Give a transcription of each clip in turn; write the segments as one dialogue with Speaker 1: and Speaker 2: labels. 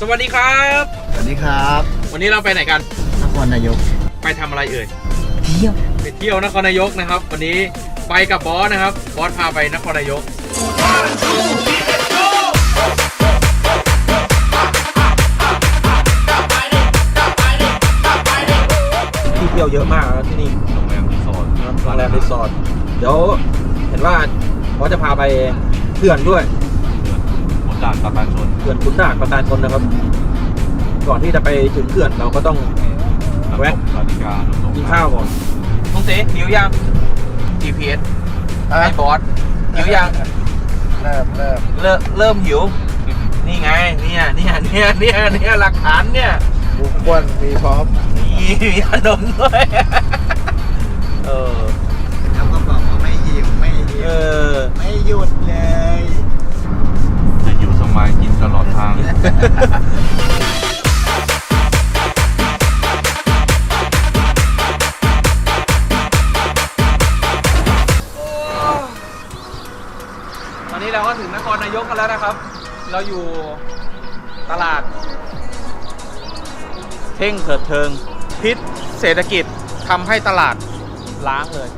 Speaker 1: วัสดีครับ
Speaker 2: สวัสดีครับ
Speaker 1: วันนี้เราไปไหนกัน
Speaker 2: นครนายก
Speaker 1: ไปทำอะไรเอ่ย
Speaker 2: เที่ยว
Speaker 1: ไปเที่ยวนครนายกนะครับวันนี้ไปกับบอสนะครับบอสพาไปนครนายกที่เที่ยวเยอะมากนะที่นี่โรงแรมรีสอร์ทเดี๋ยวเห็นว่าบอสจะพาไปเขื่อนด้วยขุนด่านประการชนเขื่อนขุนด่านประการชนนะครับก่อนที่จะไปถึงเขื่อนเราก็ต้องแวะกินข้าวก่อนลุงเสหิวยัง GPS ให้บอสหิวยังเริ่มหิวนี่ไงเนี่ยหลักฐานเนี่ย
Speaker 2: บุกควนมีพร้อม
Speaker 1: มีขนมด้วย
Speaker 2: แล้วก็บอกว่าไม่หิวไม่หยุดเลย
Speaker 3: จะอยู่สมัยกินตลอดทาง
Speaker 1: ตอนนี้เราก็ถึงนครนายกกันแล้วนะครับ เราอยู่ตลาดเท่งเถิดเทิงพิษเศรษฐกิจทำให้ตลาดล้างเลย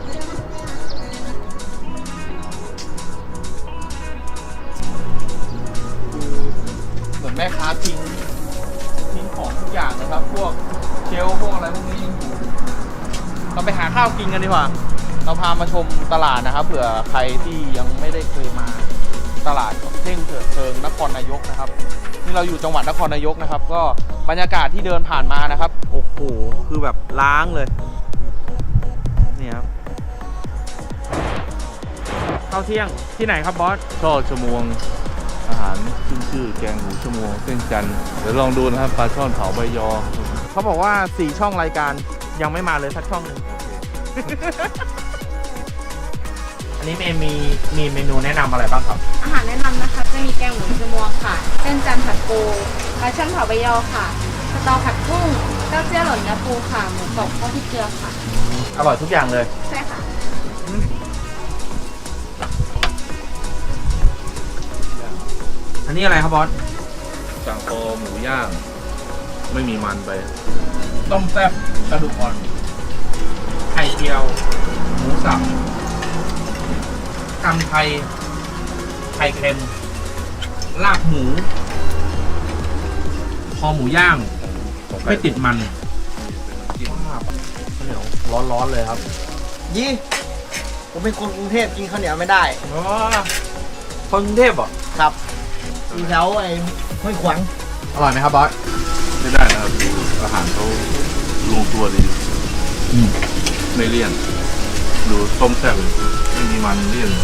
Speaker 1: เหมือนแม่ค้าทิ้งของทุกอย่างนะครับพวกเชลพวกอะไรพวกนี้ยังอยู่เราไปหาข้าวกินกันดีกว่าเราพามาชมตลาดนะครับเผื่อใครที่ยังไม่ได้เคยมาตลาดเท่งเถิดเทิงนครนายกนะครับนี่เราอยู่จังหวัดนครนายกนะครับก็บรรยากาศที่เดินผ่านมานะครับโอ้โหคือแบบล้างเลยนี่ครับข้าวเที่ยงที่ไหนครับบอส
Speaker 3: ช่อชมวงอาหารขึ้นชื่อแกงหูชมวงเส้นจันทร์เดี๋ยวลองดูนะครับปลาช่อนเผาใบยอ
Speaker 1: เขาบอกว่า4ช่องรายการยังไม่มาเลยสักช่องหนึ่งอันนี้มีเมนูแนะนำอะไรบ้างครับ
Speaker 4: อาหารแนะนำนะคะจะมีแกงหมูชมวงค่ะเส้นจันทร์ผัดปูปลาช่อนเผาใบยอค่ะสตอผัดกุ้งเต้าเจี้ยวหล่นเนื้อปูค่ะหมูกรอบข้าวพริกเกลือค่ะ
Speaker 1: อร่อยทุกอย่างเลย
Speaker 4: ใช่ค่ะ
Speaker 1: อันนี้อะไรครับบอส
Speaker 3: สั่งคอหมูย่างไม่มีมันไป
Speaker 1: ต้มแซ่บกระดูกอ่อนไข่เจียวหมูสับตำไทยไข่เค็มลาบหมูคอหมูย่างไม่ติดมันข้าวเหนียวร้อนๆเลยครับ
Speaker 2: ยี่ผมเป็นคนกรุงเทพกินข้าวเหนียวไม่ได้
Speaker 1: อ๋อคนกรุงเทพเหรอ
Speaker 2: ครับอยู่แถวไอ้ห้วยขวาง
Speaker 1: อร่อยไหมครับบอส
Speaker 3: ไม่ได้นะครับอาหารเขาลงตัวดีไม่เลี่ยนดูต้มแซ่บไม่มีมันเลี่ยน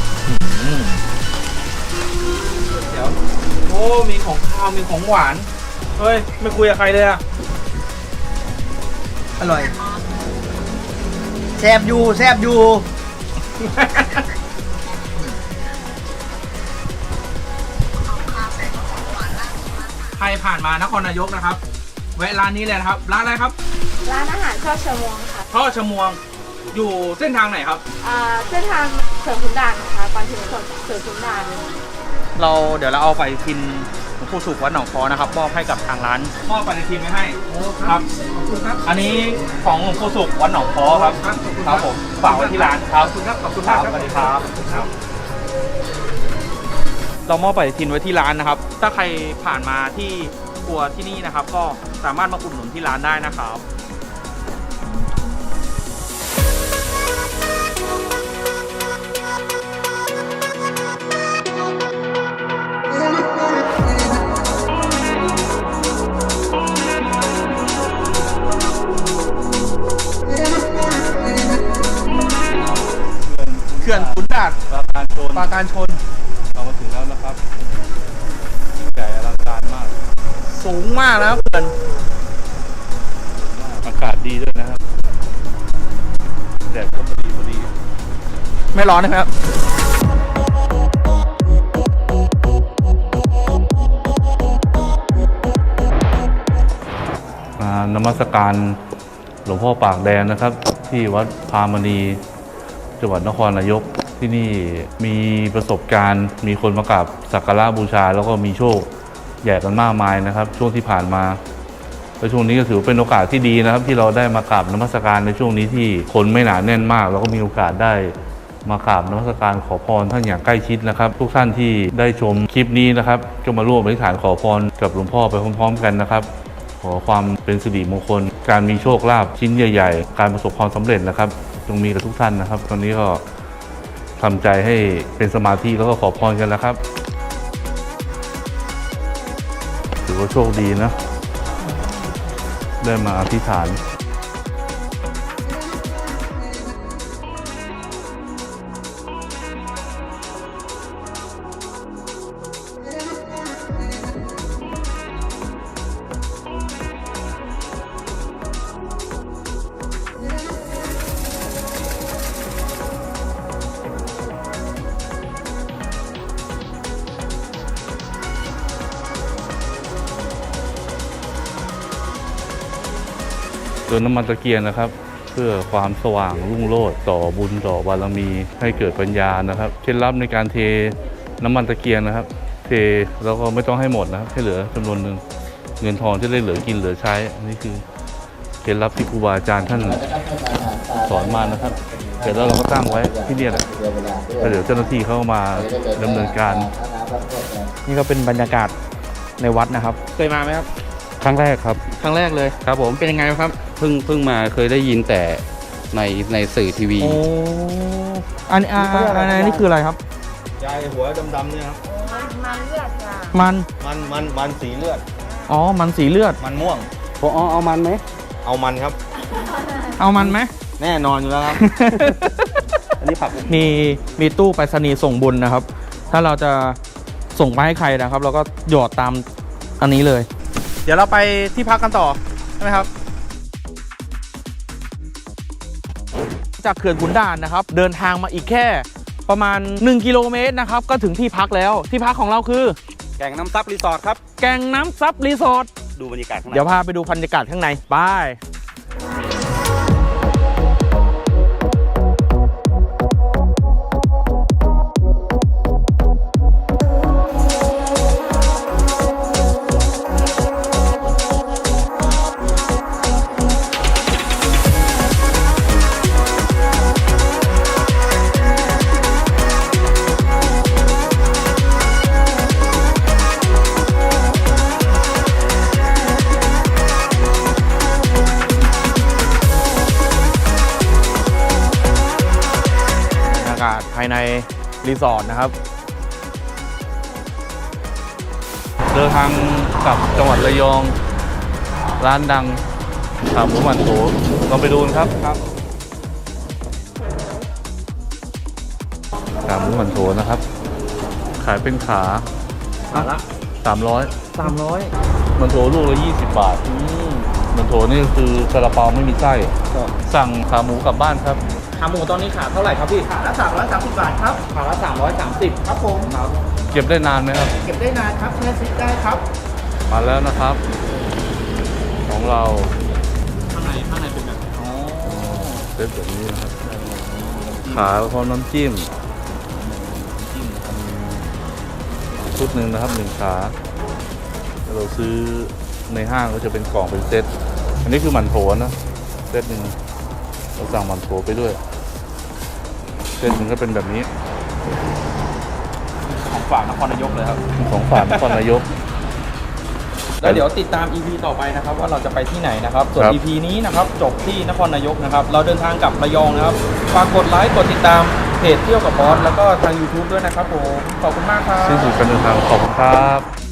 Speaker 1: เดี๋ยวโอ้มีของข้าวมีของหวานเฮ้ยไม่คุยกับใครเลยอะ
Speaker 2: อร่อยแซ่บอยู่
Speaker 1: ใครผ่านมานครนายกนะครับแวะร้านนี้เลยนะครับร้านอะไรครับ
Speaker 4: ร้านอาหารช่อชมวงค่ะ
Speaker 1: ช่อชมวงอยู่เส้นทางไหนครับ
Speaker 4: เส้นทางเสริมขุนด่านนะคะก่อนถึงเสริมขุนด่าน
Speaker 1: เดี๋ยวเราเอาไปพินหลวงปู่สุขวัดหนองคอนะครับมอบให้กับทางร้านมอบไปในทีมไว้ให้ครับขอบคุณครับอันนี้ของหลวงปู่สุขวัดหนองคอครับครับผมฝากไว้ที่ร้านครับขอบคุณครับสวัสดีครับเรามอบปฏิทินไว้ที่ร้านนะครับถ้าใครผ่านมาที่ครัวที่นี่นะครับก็สามารถมาอุดหนุนที่ร้านได้นะครับเขื่อนขุนด่านปราการชน
Speaker 3: เรามาถึงแล้วนะครับใหญ่อลังการมาก
Speaker 1: สูงมากนะครับเขื่อน
Speaker 3: อากาศดีด้วยนะครับแดดก็พอดี
Speaker 1: ไม่ร้อนนะครับ
Speaker 3: นมัสการหลวงพ่อปากแดงนะครับที่วัดพามณีจังหวัดนครนายกที่นี่มีประสบการณ์มีคนมากราบสักการะบูชาแล้วก็มีโชคแย่กันมากมายนะครับ ช่วงที่ผ่านมาและช่วงนี้ก็ถือเป็นโอกาสที่ดีนะครับ ที่เราได้มากราบนมัสการในช่วงนี้ที่คนไม่หนาแน่นมากเราก็มีโอกาสได้มากราบนมัสการขอพรท่านอย่างใกล้ชิดนะครับ ทุกท่านที่ได้ชมคลิปนี้นะครับก็มาร่วมอธิษฐานขอพรกับหลวงพ่อไปพร้อมๆกันนะครับ ขอความเป็นสิริมงคลการมีโชคลาภชิ้นใหญ่ๆการประสบความสำเร็จนะครับจงมีกับทุกท่านนะครับ ตอนนี้ก็ทำใจให้เป็นสมาธิแล้วก็ขอพรกันแล้วครับถือว่าโชคดีนะได้มาอธิษฐานเติมน้ำมันตะเกียงนะครับ เพื่อความสว่างรุ่งโรจน์ต่อบุญต่อบารมีให้เกิดปัญญานะครับเคล็ดลับในการเทน้ำมันตะเกียงนะครับ เทแล้วก็ไม่ต้องให้หมดนะครับให้เหลือจำนวนหนึ่งเงินทองที่ได้เหลือกินเหลือใช้อันนี้คือเคล็ดลับที่ครูบาอาจารย์ท่านสอนมานะครับเสร็จแล้วเราก็ตั้งไว้ที่นี่แหละแล้วเดี๋ยวเจ้าหน้าที่เขามาดำเนินการ
Speaker 1: นี่ก็เป็นบรรยากาศในวัดนะครับเคยมาไหมครับ
Speaker 5: ครั้งแรกครับ
Speaker 1: ครั้งแรกเลย
Speaker 5: ครับผม
Speaker 1: เป็นยังไงครับ
Speaker 5: เพิ่งมาเคยได้ยินแต่ในสื่อทีวี
Speaker 1: โอ้อันนี้คืออะไรครับ
Speaker 2: ยายหัวดำๆเนี่ยครับ
Speaker 4: มันเลือดจ้ะ
Speaker 2: มันสีเลือด
Speaker 1: อ๋อมันสีเลือด
Speaker 2: มันม่วง
Speaker 5: พอเอามันไหม
Speaker 2: เอามันครับ
Speaker 1: เอามันไหม
Speaker 2: แน่นอนอยู่แล้วครับ
Speaker 5: อันนี้ผัก
Speaker 1: มีตู้ไปรษณีย์ส่งบุญนะครับ ถ้าเราจะส่งไปให้ใครนะครับ เราก็หยอดตามอันนี้เลย เดี๋ยวเราไปที่พักกันต่อใช่ไหมครับ จากเขื่อนขุนด่านนะครับ เดินทางมาอีกแค่ประมาณ1กิโลเมตรนะครับก็ถึงที่พักแล้วที่พักของเราคือ
Speaker 5: แกงน้ำซับรีสอร์ทครับ
Speaker 1: แก่งน้ำซับรีสอร์ท
Speaker 5: ดูบรรยากาศข้างใน
Speaker 1: เดี๋ยวพาไปดูบรรยากาศข้างในไปภายในรีสอร์ทนะครับเดินทางกลับจังหวัดระยองร้านดังขาหมูหมันโถลองไปดูกันครับขาหมูหมันโถนะครับขายเป็นขาละ300มันโถลูกละ20 บาทมันโถนี่คือซาลาเปาไม่มีไส้สั่งขาหมูกลับบ้านครับขาหมูตอนนี้ขาเท่าไหร่ครับพี่ขาละ330 บาทครับขาละ330ครับผมครับเก็บได้นานไหมครับเก็บได้นานครับแช่ฟิตได้ครับมาแล้วนะครับของเราข้างในเป็นแบบเซตแบบนี้นะครับขาพร้อมน้ำจิ้มชุดหนึ่งนะครับ1ขาเราซื้อในห้างก็จะเป็นกล่องเป็นเซตอันนี้คือหมั่นโถนะเซตหนึ่งเราสั่งหมั่นโถไปด้วยเซตหนึ่งก็เป็นแบบนี้ของฝากนครนายกเลยครับของฝากนครนายกแล้วเดี๋ยวติดตาม EP ต่อไปนะครับว่าเราจะไปที่ไหนนะครับส่วน EP นี้นะครับจบที่นครนายกนะครับเราเดินทางกลับระยองนะครับฝากกดไลค์กดติดตามเพจเที่ยวกับบอสแล้วก็ทาง YouTube ด้วยนะครับผมขอบคุณมากครับสิ้นสุดการเดินทางขอบคุณครับ